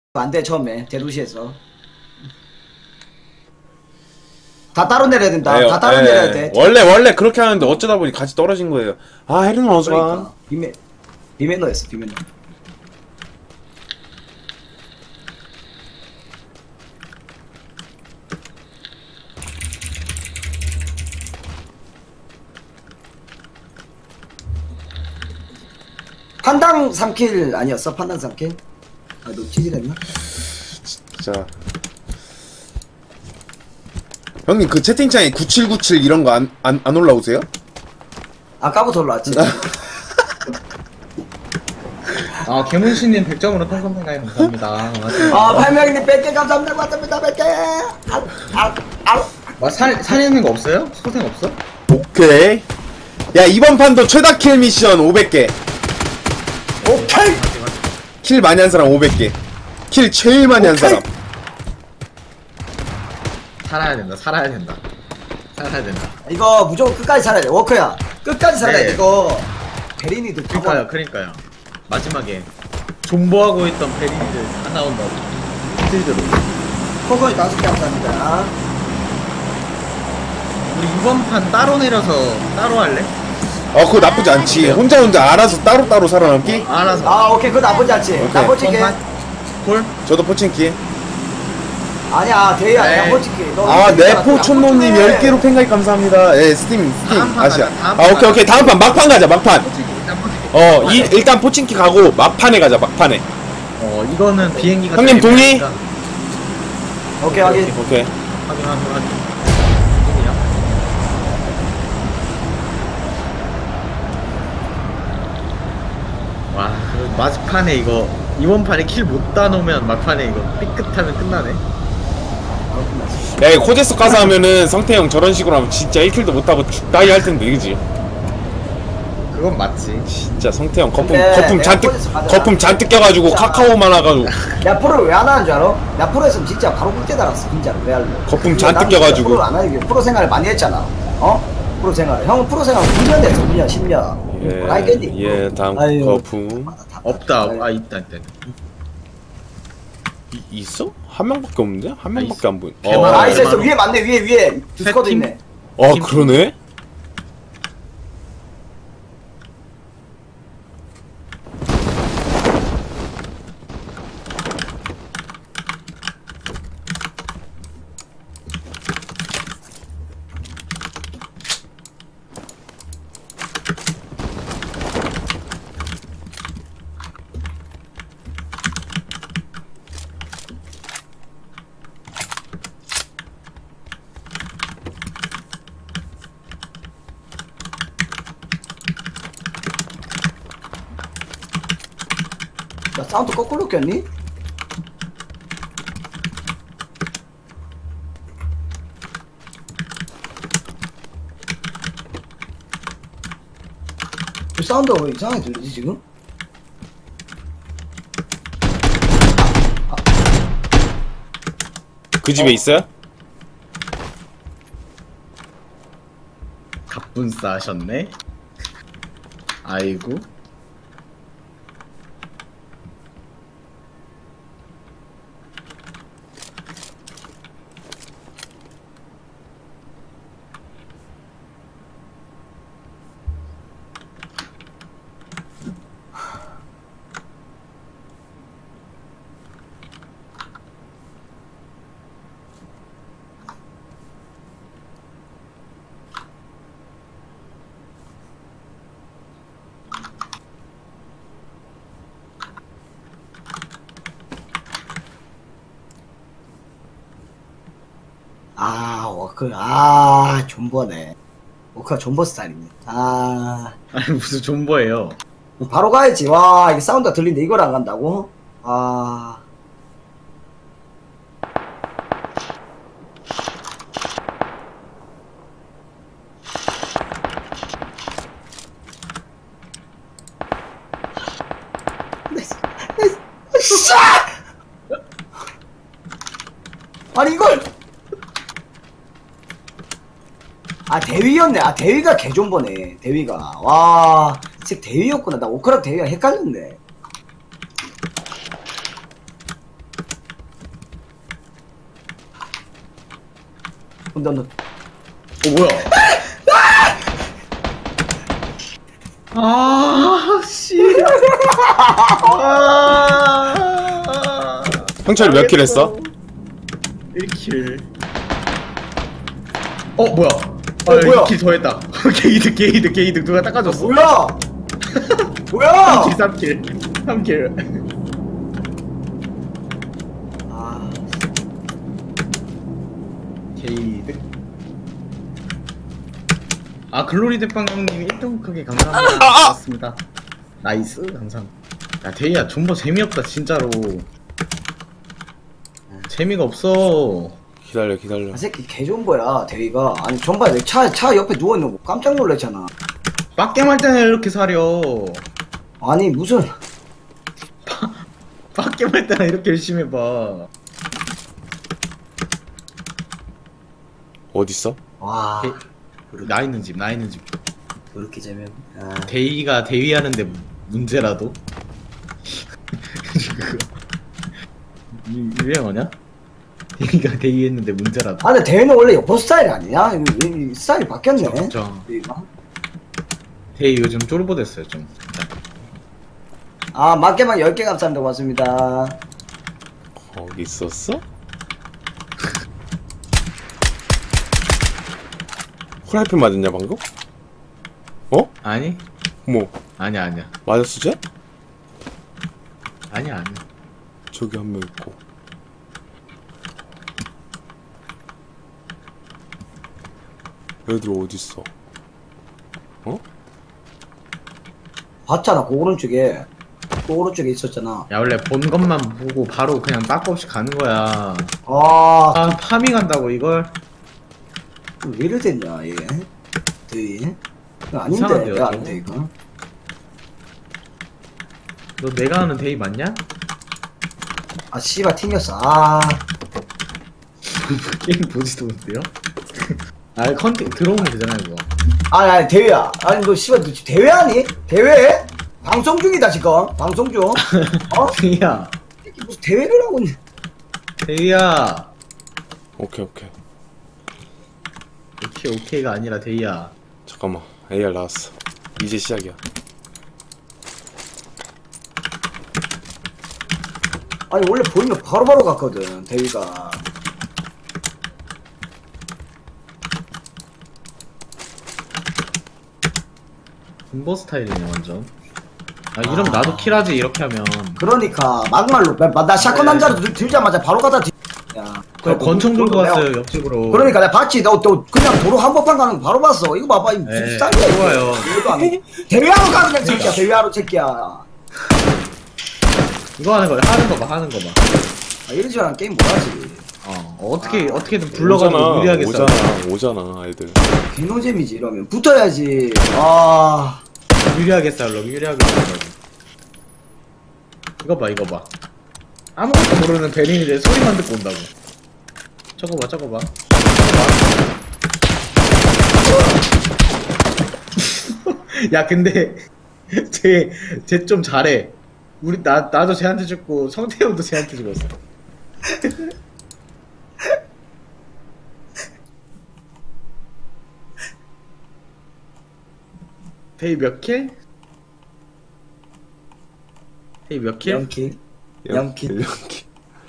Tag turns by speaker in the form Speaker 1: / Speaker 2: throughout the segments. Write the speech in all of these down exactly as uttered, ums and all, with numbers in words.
Speaker 1: 안 돼 처음에 대도시에서 다 따로 내려야 된다.
Speaker 2: 에요,
Speaker 1: 다 따로
Speaker 2: 에,
Speaker 1: 내려야 돼.
Speaker 2: 원래 원래 그렇게 하는데 어쩌다 보니 같이 떨어진 거예요. 아 헤르는 어서 가.
Speaker 1: 그러니까 비매 비매너였어 비매너. 판당 삼 킬 아니었어? 판당 삼 킬? 아, 너 찌질했나?
Speaker 2: 진짜. 형님 그 채팅창에 구칠구칠 이런 거 안 안 안 올라오세요?
Speaker 1: 아까부터 올라왔지.
Speaker 3: 아, 개문신님 백 점으로 탈선생가에 감사합니다.
Speaker 1: 아, 팔명님 백 개 감사합니다. 감사합니다. 백 개. 아, 아, 아.
Speaker 3: 와, 살, 살 있는 거 없어요? 소생 없어?
Speaker 2: 오케이. 야 이번 판도 최다 킬 미션 오백 개.
Speaker 1: 오케이.
Speaker 2: 킬 많이 한 사람 오백 개. 킬 제일 많이 한
Speaker 1: 오케이.
Speaker 2: 사람.
Speaker 3: 살아야 된다, 살아야 된다. 살아야 된다.
Speaker 1: 이거 무조건 끝까지 살아야 돼. 워커야. 끝까지 살아야 돼.
Speaker 3: 네.
Speaker 1: 이거 베린이도
Speaker 3: 그니까요, 그니까요. 마지막에 존버하고 있던 베린이들 다 나온다고. 스틸드로.
Speaker 1: 코건이 다섯 개 감사합니다.
Speaker 3: 우리 이번 판 따로 내려서 따로 할래?
Speaker 2: 어 그거 나쁘지 않지. 혼자 혼자 알아서 따로 따로 살아남기.
Speaker 3: 알아서.
Speaker 1: 아, 오케이. 그거 나쁘지 않지.
Speaker 2: 오케이.
Speaker 1: 나쁘지 게.
Speaker 3: 콜?
Speaker 2: 저도 포칭키.
Speaker 1: 아니야, 대야.
Speaker 3: 네.
Speaker 1: 양포치기.
Speaker 2: 아 네포 촌노님 열 개로 팬가입 감사합니다. 예 스팀 스팀
Speaker 3: 다음 판
Speaker 2: 아시아.
Speaker 3: 가자, 다음
Speaker 2: 아
Speaker 3: 판
Speaker 2: 오케이 오케이 다음 판 막판 가자 막판.
Speaker 3: 포치기, 일단 포치기.
Speaker 2: 어 이, 일단 포칭키 가고 막판에 가자 막판에.
Speaker 3: 어, 이거는 비행기가.
Speaker 2: 형님
Speaker 3: 좀
Speaker 2: 동의?
Speaker 3: 애매하니까.
Speaker 1: 오케이, 확인.
Speaker 2: 오케이.
Speaker 3: 확인, 확인, 확인. 확인이요? 와, 그 마지판에 이거 이번 판에 킬 못 따놓으면 막판에 이거 삐끗하면 끝나네.
Speaker 2: 야 이거 코제스 가서 하면은 성태형 저런 식으로 하면 진짜 일 킬도 못하고 죽다이 할 텐데 그지?
Speaker 3: 그건 맞지.
Speaker 2: 진짜 성태형 거품
Speaker 1: 근데
Speaker 2: 거품
Speaker 1: 내가
Speaker 2: 잔뜩
Speaker 1: 코제스 가잖아.
Speaker 2: 거품 잔뜩 껴가지고
Speaker 1: 진짜.
Speaker 2: 카카오만 와가지고
Speaker 1: 야, 프로를 왜 안 하는 줄 알아? 나 프로에서는 진짜 바로 꿀대 달았어. 진짜로. 레알로.
Speaker 2: 거품
Speaker 1: 근데
Speaker 2: 잔뜩
Speaker 1: 나는 진짜
Speaker 2: 껴가지고.
Speaker 1: 프로를 안 하는 게 프로 생활을 많이 했잖아. 어? 프로 생활. 형은 프로 생활 구 년 됐어. 구 년, 십 년. 알겠니?
Speaker 2: 예 다음
Speaker 1: 아유.
Speaker 2: 거품
Speaker 3: 없다. 아, 있다, 있다.
Speaker 2: 이, 있어? 한 명밖에 없는데? 한
Speaker 3: 아,
Speaker 2: 명밖에 안 보인.
Speaker 3: 대만
Speaker 1: 아,
Speaker 2: 어,
Speaker 1: 있어, 있어. 위에 맞네. 위에, 위에. 두
Speaker 3: 세
Speaker 1: 스쿼드
Speaker 3: 팀?
Speaker 1: 있네.
Speaker 2: 어 그러네.
Speaker 1: 야, 사운드 거꾸로 꼈니? 그 사운드가 왜 이상하게 들리지, 지금?
Speaker 2: 그 집에 있어요?
Speaker 3: 갑분싸 하셨네. 아이고.
Speaker 1: 아, 워크, 아, 존버네. 워크가 존버 스타일입니다. 아,
Speaker 3: 아니, 무슨 존버예요.
Speaker 1: 바로 가야지. 와, 이게 사운드가 들리는데 이걸 안 간다고? 아. 아니 이걸 아 대위였네. 아 대위가 개존버네. 대위가 와 진짜 대위였구나. 나 오크랑 대위가 헷갈렸네. 온다 온다.
Speaker 3: 어 뭐야? 아 씨. 아.
Speaker 2: 형철이 몇 킬 했어?
Speaker 3: 일 킬. 어 뭐야? 아,
Speaker 1: 어, 뭐야?
Speaker 3: 일 킬 더 했다. 게이드 게이드 게이드 누가 닦아줬어?
Speaker 1: 뭐야? 뭐야?
Speaker 3: 삼 킬 삼 킬 삼 킬.
Speaker 1: 아,
Speaker 3: 게이드. 아 글로리 대빵 형님 일 등 크게 감사합니다. 고맙습니다. 나이스 감사합니다. 야 데이야 존버 재미없다 진짜로. 재미가 없어.
Speaker 2: 기다려 기다려.
Speaker 1: 이 새끼 개 좋은 거야 대위가. 아니 전반에 차, 차 옆에 누워있는 거 깜짝 놀랐잖아.
Speaker 3: 빡겜할 때는 이렇게 사려.
Speaker 1: 아니 무슨
Speaker 3: 빡겜할 때는 이렇게 열심히 해봐.
Speaker 2: 어딨어?
Speaker 1: 와
Speaker 3: 데... 나 있는 집, 나 있는 집.
Speaker 1: 그렇게 재미없. 아,
Speaker 3: 데이가 대위하는데 문제라도? 유- 유행어냐? 데이가 대위했는데 문제라도?
Speaker 1: 아 근데 대위는 원래 여포 스타일 아니냐? 이, 이, 이 스타일이 바뀌었네.
Speaker 3: 그쵸.
Speaker 1: 대위가.
Speaker 3: 데이 요즘 쫄보 됐어요 좀.
Speaker 1: 아 맞게만 열 개 감사합니다. 고맙습니다.
Speaker 2: 거기 있었어? 후라이팬 맞았냐 방금? 어?
Speaker 3: 아니?
Speaker 2: 뭐
Speaker 3: 아니야 아니야
Speaker 2: 맞았어 쟤?
Speaker 3: 아니야 아니야.
Speaker 2: 저기 한 명 있고. 얘들 어딨어? 어?
Speaker 1: 봤잖아 그 오른쪽에. 그 오른쪽에 있었잖아.
Speaker 3: 야 원래 본 것만 보고 바로 그냥 빠꾸 없이 가는 거야.
Speaker 1: 아,
Speaker 3: 아 파밍한다고 이걸?
Speaker 1: 왜 이래 됐냐 얘. 대위. 이거 아닌데
Speaker 3: 이상한데요,
Speaker 1: 내가
Speaker 3: 저거?
Speaker 1: 아닌데 이거.
Speaker 3: 너 내가 아는 데이 맞냐?
Speaker 1: 아 씨발 튕겼어. 아
Speaker 3: 게임 보지도 못해요? 아 컨텐츠 들어오면 되잖아요 그거.
Speaker 1: 아니 아니 대회야. 아니 너 씨발 너 지금 대회 하니? 대회? 방송 중이다 지금. 방송 중. 어?
Speaker 3: 데이야
Speaker 1: 이게 무슨 대회를 하고 있네.
Speaker 3: 데이야
Speaker 2: 오케이 오케이.
Speaker 3: 오케이 오케이가 아니라 데이야.
Speaker 2: 잠깐만. 에이알 나왔어. 이제 시작이야.
Speaker 1: 아니 원래 보이면 바로바로 갔거든 대위가.
Speaker 3: 군버 스타일이네 완전. 아 이러면 나도 킬하지 이렇게 하면.
Speaker 1: 그러니까 막말로 나, 나 샷건
Speaker 3: 네.
Speaker 1: 한 자루 들- 들자마자 바로 가다 뒤. 야.
Speaker 3: 그 권총 들고
Speaker 1: 내가-
Speaker 3: 왔어요 옆집으로.
Speaker 1: 그러니까 내가 봤지. 너 또 그냥 도로 한복판 가는 거 바로 봤어. 이거 봐봐. 이 무슨
Speaker 3: 네,
Speaker 1: 스타일이야 이거.
Speaker 3: 좋아요.
Speaker 1: 이거 안 해. 대회하러 가 그냥 새끼야. 대회하러 새끼야.
Speaker 3: 이거 하는 거 하는 거 봐 하는 거 봐.
Speaker 1: 아, 이런 식으로 하면 게임 못하지.
Speaker 3: 어 어떻게
Speaker 1: 아,
Speaker 3: 어떻게든 불러가지고
Speaker 2: 오잖아.
Speaker 3: 유리하게 싸워.
Speaker 2: 오잖아. 오잖아 애들.
Speaker 1: 개노잼이지 이러면. 붙어야지. 아.
Speaker 3: 유리하게 싸우려고 유리하게 싸우려고. 이거 봐 이거 봐. 아무것도 모르는 베린이들 소리만 듣고 온다고. 저거 봐 저거 봐. 저거 봐. 야 근데 쟤쟤 좀 잘해. 우리 나 나도 쟤한테 죽고 성태형도 쟤한테 죽었어. 데이 몇 킬? 데이 몇 킬?
Speaker 1: 영키. 영키.
Speaker 2: 영키.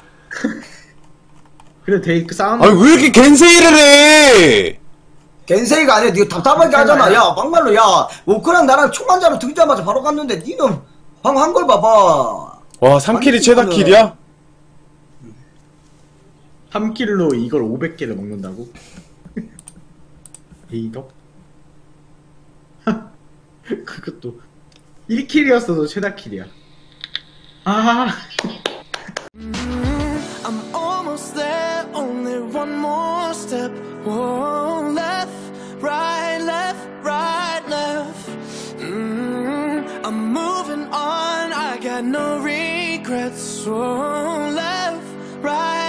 Speaker 3: 그래 데이 그 싸움.
Speaker 2: 아니 왜 이렇게 겐세이를 해?
Speaker 1: 겐세이가 아니야. 니가 답답하게 하잖아. 야 막말로 야 오크랑 나랑 총 한 자루 들자마자 바로 갔는데 니는 방금 한 걸 봐봐.
Speaker 2: 와 삼 킬이
Speaker 1: 아니,
Speaker 2: 최다
Speaker 1: 이거는-
Speaker 2: 킬이야?
Speaker 3: 삼 킬로 이걸 오백 개를 먹는다고? 에이덕? 그것도 일 킬이었어도 최다 킬이야. 아.
Speaker 4: I'm almost there, only one more step. Whoa, left, right, left, right, left. Mm, I'm moving on, I got no regrets. Whoa, left, right.